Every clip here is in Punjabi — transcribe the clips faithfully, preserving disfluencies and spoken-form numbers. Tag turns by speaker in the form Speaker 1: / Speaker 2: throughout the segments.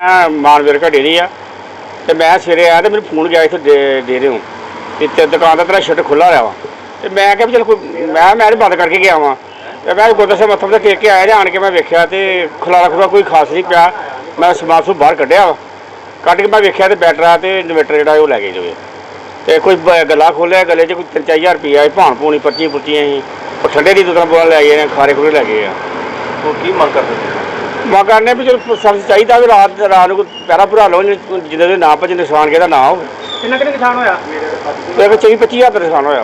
Speaker 1: मैं मानवीर का डेरी आ तो मैं सवेरे आया तो मेरे फोन गया इतने दे डेरे हूँ तो दुकान का तेरा शटर खुला रहा वा तो मैं क्या चल कोई मैं मैं बंद करके गया वहाँ तो मैं गुरदा से मत्था मुत्था टेक के आया आन के मैं वेख्या तो खलारा खुला कोई खास नहीं पाया। मैं समान सूब बाहर कढ़िया वा कढ़ के मैं वेख्या तो बैटरा तो इन्वेटर जो लै गए जो तो कोई गला खोलिया गले च कोई तीन चार हज़ार रुपया भाण भूनी पर्चियां पुर्चियां ही ठंडे की दुकान बोल लै गए खारे खुरे लै गए
Speaker 2: की मंग करते
Speaker 1: मंग करने भी चलो सब्जी चाहिए भी रात रात को पैरा भरा लो जिन्हें ना भजे नुकसान किहदा ना हो
Speaker 2: नुकसान होया
Speaker 1: चौबी पच्ची हज़ार का नुकसान होया।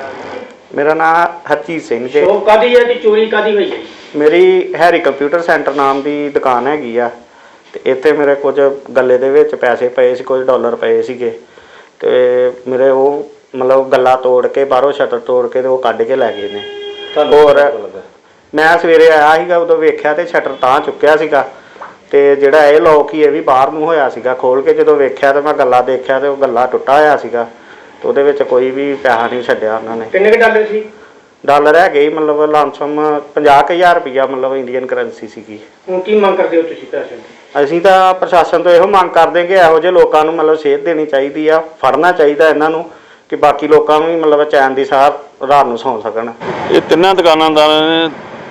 Speaker 3: मेरा नाम हरजीत सिंह जी।
Speaker 2: कादी है चोरी कादी हुई है?
Speaker 3: मेरी हैरी कंप्यूटर सेंटर नाम की दुकान हैगी आ ते इत्थे मेरे कुछ गले दे विच पैसे पए सी कुछ डॉलर पए सीगे ते मेरे वो मतलब गला तोड़ के बाहरों शटर तोड़ के ते वो कढ़ के लै गए ने। और मैं सवेरे आया सीगा उदों वेख्या ते शटर तां चुक्किया सीगा ते जिहड़ा ये लॉक ही ये भी बाहर नूं होया सीगा खोल के जदों वेख्या ते मैं गला देखिया ते वो गला टुੱਟਾ होया सीगा तो उहदे विच कोई भी पैसा नहीं छड्डिया उन्होंने।
Speaker 2: किन्ने के डॉलर सी?
Speaker 3: डॉलर है गई मतलब लामसम पचास हज़ार रुपया मतलब इंडियन करंसी सीगी।
Speaker 2: ਹੁਣ ਕੀ ਮੰਗ ਕਰਦੇ ਹੋ ਤੁਸੀਂ ਪ੍ਰਸ਼ਾਸਨ?
Speaker 3: ਅਸੀਂ ਤਾਂ ਪ੍ਰਸ਼ਾਸਨ ਤੋਂ ਇਹੋ ਮੰਗ ਕਰਦੇ ਕਿ ਇਹੋ ਜਿਹੇ ਲੋਕਾਂ ਨੂੰ ਮਤਲਬ ਸੇਧ ਦੇਣੀ ਚਾਹੀਦੀ ਆ, ਫੜਨਾ ਚਾਹੀਦਾ ਇਹਨਾਂ ਨੂੰ ਕਿ ਬਾਕੀ ਲੋਕਾਂ ਨੂੰ ਵੀ ਮਤਲਬ ਚੈਨ ਦੀ ਸਾਹ ਰਾਤ ਨੂੰ ਸੌਂ ਸਕਣ।
Speaker 4: ਇਹ ਤਿੰਨਾਂ ਦੁਕਾਨਾਂਦਾਰਾਂ ਨੇ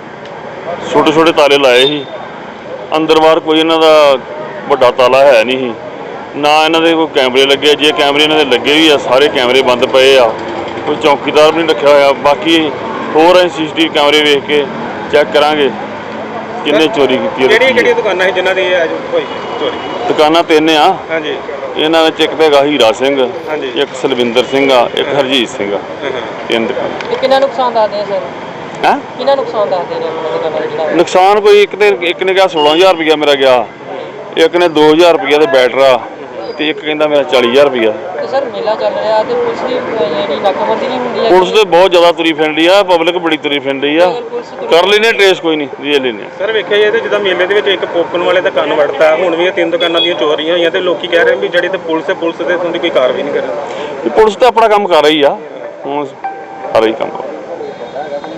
Speaker 4: ਛੋਟੇ ਛੋਟੇ ਤਾਲੇ ਲਾਏ ਸੀ, ਅੰਦਰ ਬਾਹਰ ਕੋਈ ਇਹਨਾਂ ਦਾ ਵੱਡਾ ਤਾਲਾ ਹੈ ਨਹੀਂ ਸੀ, ਨਾ ਇਹਨਾਂ ਦੇ ਕੋਈ ਕੈਮਰੇ ਲੱਗੇ। ਜੇ ਕੈਮਰੇ ਇਹਨਾਂ ਦੇ ਲੱਗੇ ਵੀ ਆ ਸਾਰੇ ਕੈਮਰੇ ਬੰਦ ਪਏ ਆ, ਕੋਈ ਚੌਕੀਦਾਰ ਵੀ ਨਹੀਂ ਰੱਖਿਆ ਹੋਇਆ। ਬਾਕੀ ਹੋਰ ਅਸੀਂ ਸੀ ਸੀ ਟੀ ਵੀ ਕੈਮਰੇ ਵੇਖ ਕੇ ਚੈੱਕ ਕਰਾਂਗੇ ਕਿੰਨੇ ਚੋਰੀ ਕੀਤੀ ਹੈ।
Speaker 2: ਕਿਹੜੀਆਂ ਕਿਹੜੀਆਂ ਦੁਕਾਨਾਂ ਸੀ ਜਿਨ੍ਹਾਂ ਦੀ ਹੋਈ ਚੋਰੀ?
Speaker 4: ਦੁਕਾਨਾਂ ਤਿੰਨ ਆ
Speaker 2: ਹਾਂਜੀ।
Speaker 4: ਇਹਨਾਂ ਵਿੱਚ ਇੱਕ ਤਾਂ ਹੈਗਾ ਹੀਰਾ ਸਿੰਘ,
Speaker 2: ਹਾਂਜੀ,
Speaker 4: ਇੱਕ ਸਲਵਿੰਦਰ ਸਿੰਘ ਆ, ਇੱਕ ਹਰਜੀਤ ਸਿੰਘ ਆ। ਤਿੰਨ ਦੁਕਾਨਾਂ।
Speaker 5: ਕਿੰਨਾ ਨੁਕਸਾਨ ਦੱਸਦੇ ਆ ਸਰ?
Speaker 4: ਹੈਂ
Speaker 5: ਕਿੰਨਾ ਨੁਕਸਾਨ ਦੱਸਦੇ ਨੇ ਆਪਣਾ ਦੁਕਾਨਾਂ ਦਾ ਜਿਹੜਾ?
Speaker 4: ਨੁਕਸਾਨ ਕੋਈ ਇੱਕ ਤੇ ਇੱਕ ਨੇ ਕਿਹਾ ਸੋਲਾਂ ਹਜ਼ਾਰ ਰੁਪਇਆ ਮੇਰਾ ਗਿਆ, ਇੱਕ ਨੇ ਦੋ ਹਜ਼ਾਰ ਰੁਪਇਆ ਤੇ ਬੈਟਰਾ ਤੇ ਇੱਕ ਕਹਿੰਦਾ ਮੇਰਾ ਚਾਲੀ ਹਜ਼ਾਰ ਰੁਪਇਆ।
Speaker 5: ਤੇ ਸਰ ਮੇਲਾ ਚੱਲ ਰਿਹਾ ਤੇ ਪੁਲਿਸ ਦੀ ਜਿਹੜੀ ਨਾਕਾਬੰਦੀ ਨਹੀਂ ਹੁੰਦੀ ਹੈ?
Speaker 4: ਪੁਲਿਸ ਤੇ ਬਹੁਤ ਜ਼ਿਆਦਾ ਤੁਰੀ ਫਿਰਦੀ ਆ, ਪਬਲਿਕ ਬੜੀ ਤੁਰੀ ਫਿਰਦੀ ਆ। ਕਰ ਲੈਨੇ ਟ੍ਰੇਸ ਕੋਈ ਨਹੀਂ ਰੀਅਲ ਲੈਨੇ।
Speaker 2: ਸਰ ਵੇਖਿਆ ਜੇ ਤੇ ਜਿੱਦਾਂ ਮੇਲੇ ਦੇ ਵਿੱਚ ਇੱਕ ਪੋਪਨ ਵਾਲੇ ਦਾ ਕੰਨ ਵੜਤਾ, ਹੁਣ ਵੀ ਇਹ ਤਿੰਨ ਦੁਕਾਨਾਂ ਦੀਆਂ ਚੋਰੀਆਂ ਹੋਈਆਂ ਤੇ ਲੋਕੀ ਕਹਿ ਰਹੇ ਵੀ ਜਿਹੜੀ ਤੇ ਪੁਲਿਸ ਹੈ ਪੁਲਿਸ ਦੇ ਤੁਹਾਡੀ ਕੋਈ ਕਾਰਵਾਈ ਨਹੀਂ ਕਰ ਰਹੀ।
Speaker 4: ਪੁਲਿਸ ਤਾਂ ਆਪਣਾ ਕੰਮ ਕਰ ਰਹੀ ਆ, ਹੁਣ ਕਰ ਰਹੀ ਕੰਮ।